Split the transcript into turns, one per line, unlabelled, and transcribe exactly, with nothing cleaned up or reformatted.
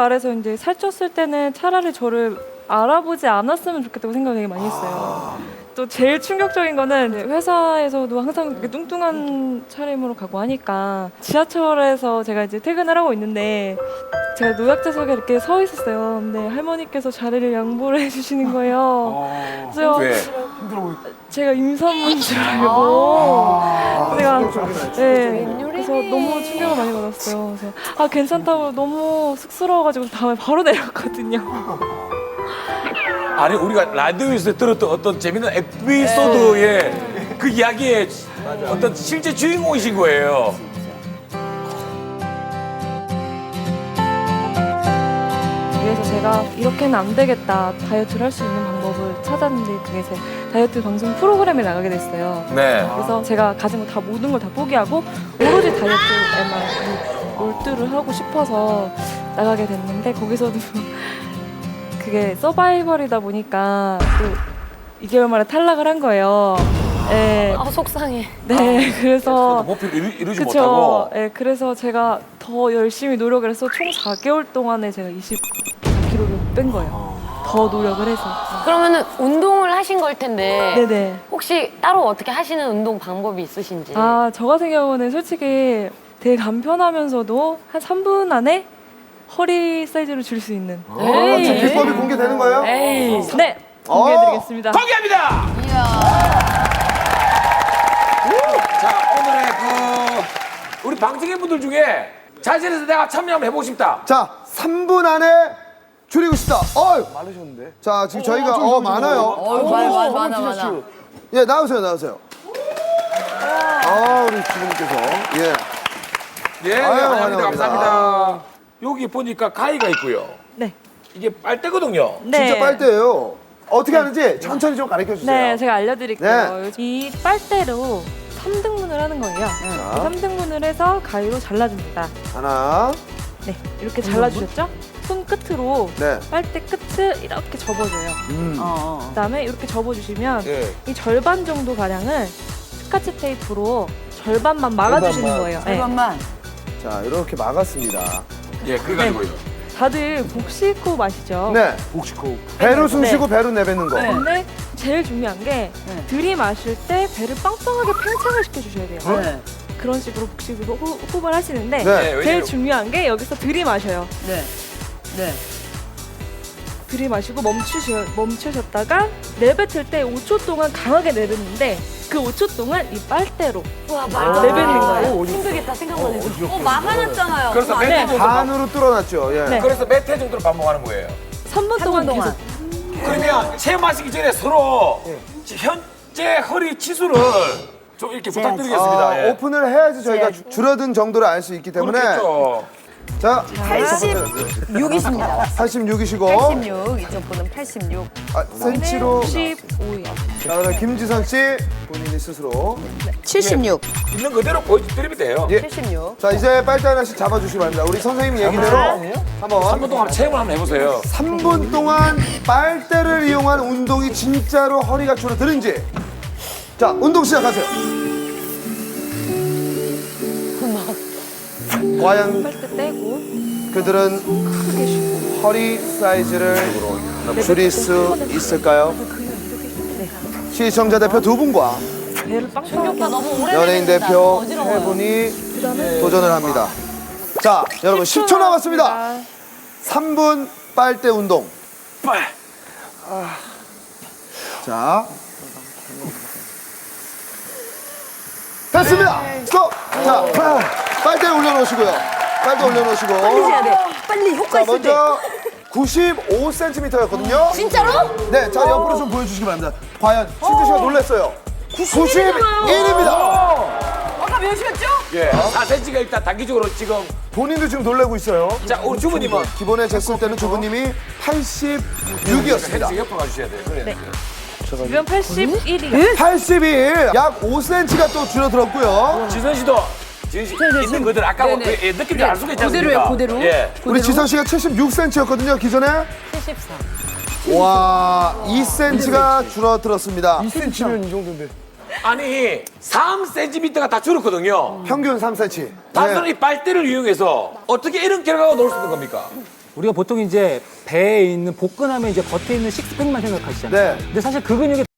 말해서 이제 살쪘을 때는 차라리 저를 알아보지 않았으면 좋겠다고 생각을 되게 많이 했어요.
아.
또 제일 충격적인 거는 회사에서도 항상 이렇게 뚱뚱한 차림으로 가고 하니까 지하철에서 제가 이제 퇴근을 하고 있는데 제가 노약자석에 이렇게 서 있었어요. 근데 할머니께서 자리를 양보를 해주시는 거예요. 그래서
왜?
제가 임산부인 줄 알고 제가 네, 그래서 너무 충격을 많이 받았어요. 그래서 아 괜찮다고 너무 쑥스러워가지고 다음에 바로 내렸거든요.
아니 우리가 라디오에서 들었던 어떤 재밌는 에피소드의 그 이야기의 어떤 실제 주인공이신 거예요.
그래서 제가 이렇게는 안 되겠다, 다이어트를 할 수 있는 방법을 찾았는데 그게 제 다이어트 방송 프로그램에 나가게 됐어요.
네.
그래서 제가 가진 거 다 모든 걸 다 포기하고 오로지 다이어트에만 몰두를 하고 싶어서 나가게 됐는데 거기서도 그게 서바이벌이다 보니까 또 이 개월 만에 탈락을 한 거예요. 네,
아 속상해.
네 그래서
목표를 이루, 이루지
그쵸.
못하고.
네, 그래서 제가 더 열심히 노력을 해서 총 사 개월 동안에 제가 이십사 킬로그램을 뺀 거예요. 더 노력을 해서.
그러면은 운동을 하신 걸 텐데
네네.
혹시 따로 어떻게 하시는 운동 방법이 있으신지?
아, 저 같은 경우는 솔직히 되게 간편하면서도 한 삼 분 안에 허리 사이즈를 줄 수 있는.
어, 지금 비법이 공개되는 거예요?
에이.
네, 공개해드리겠습니다.
공개합니다. 자 오늘의 그 우리 방청객 분들 중에 자신에서 내가 참여 한번 해보고 싶다.
자, 삼 분 안에 줄이고 싶다. 어, 많으셨는데. 자, 지금 저희가 어, 많아요.
어, 많아, 많아, 많아.
예, 나오세요, 나오세요. 아, 우리 주부님께서 예.
예, 네,
아유,
환영합니다.
환영합니다.
감사합니다. 여기 보니까 가위가 있고요.
네.
이게 빨대거든요.
네.
진짜 빨대예요. 어떻게 하는지 천천히 좀 가르쳐 주세요.
네, 제가 알려드릴게요.
네.
이 빨대로 삼 등분을 하는 거예요. 삼 등분을 해서 가위로 잘라줍니다.
하나,
네, 이렇게 잘라주셨죠? 손 끝으로
네.
빨대 끝을 이렇게 접어줘요.
음.
그다음에 이렇게 접어주시면
예.
이 절반 정도 가량을 스카치 테이프로 절반만 막아주시는
절반만.
거예요. 네.
잠깐만.
자, 이렇게 막았습니다.
예, 그래가지고요.
다들 복식호흡 아시죠?
네. 복식호흡. 배로 숨 쉬고 배로 내뱉는 거.
근데 제일 중요한 게 들이마실 때 배를 빵빵하게 팽창을 시켜주셔야 돼요. 그런 식으로 복식으로 호- 호흡을 하시는데
네.
네,
제일
왜냐면
중요한 게 여기서 들이마셔요.
네. 네.
들이마시고 멈추셔, 멈추셨다가 내뱉을 때 오 초 동안 강하게 내뱉는데 그 오 초 동안 이 빨대로
와, 말도
내뱉는 거예요.
힘들겠다 생각만 해도.
어, 막아놨잖아요.
그래서 몇 회 정도
반으로 뚫어놨죠. 예.
네.
그래서 몇 회 정도로 반복하는 거예요.
삼 분 동안
동안.
계속
그러면 체험하시기 전에 서로 현재 허리 치수를 좀 이렇게 부탁드리겠습니다.
아,
예.
오픈을 해야지 저희가 주- 줄어든 정도를 알 수 있기 때문에.
그렇겠죠.
자,
팔십육이십니다.
팔십육이시고.
팔십육. 이쪽 분은 팔십육.
아, 센치로.
십오예요.
자, 그럼 김지선 씨 본인이 스스로.
칠십육.
있는 그대로 보여드리면 돼요.
예.
칠십육.
자, 이제 빨대 하나씩 잡아주시기 바랍니다. 우리 선생님 얘기대로 한번
삼 분 동안 체험을 한번 해보세요.
삼 분 동안 빨대를 이용한 운동이 진짜로 허리가 줄어드는지. 자, 운동 시작하세요. 과연
빨대 떼고
그들은
크게 쉬고
허리 사이즈를 줄일 수 있을까요? 시청자 대표 두 분과
배를 빵빵하게
너무 오래
연예인
내뱉는다.
대표
어지러워요.
세 분이 도전을 합니다. 자, 여러분 십 초 남았습니다. 삼 분 빨대 운동.
빨.
자. 됐습니다. 스톱. 자, 빨대 올려놓으시고요. 빨대 올려놓으시고.
해야 돼. 빨리 효과
자,
있을 때.
먼저 구십오 센티미터였거든요.
진짜로?
네, 자 옆으로 좀 보여주시기 바랍니다. 과연 신주 씨가 놀랐어요. 구십일입니다.
아까 몇이었죠?
예. 사 센티미터가 일단 단기적으로 지금.
본인도 지금 놀라고 있어요.
자, 우리 주부님은
기본에 쟀을 때는 주부님이 팔십육이었습니다.
헬스 옆으로 가주셔야 돼요. 그래.
지금 팔십일이요.
팔십일, 약 오 센티미터가 또 줄어들었고요.
지선 씨도 지선 씨 있는 그대로 아까 그, 예, 느낌이 알 수가 있지 않습니까?
그대로예요, 그대로.
예.
우리 지선 씨가 칠십육 센티미터였거든요, 기존에.
칠십사.
와, 이 센티미터가 줄어들었습니다.
아니 삼 센티미터가 다 줄었거든요.
평균 삼 센티미터.
단순히 이 빨대를 이용해서 어떻게 이런 결과가 나올 수 있는 겁니까?
우리가 보통 이제 배에 있는 복근하면 이제 겉에 있는 식스팩만 생각하시잖아요.
네.
근데 사실 그 근육이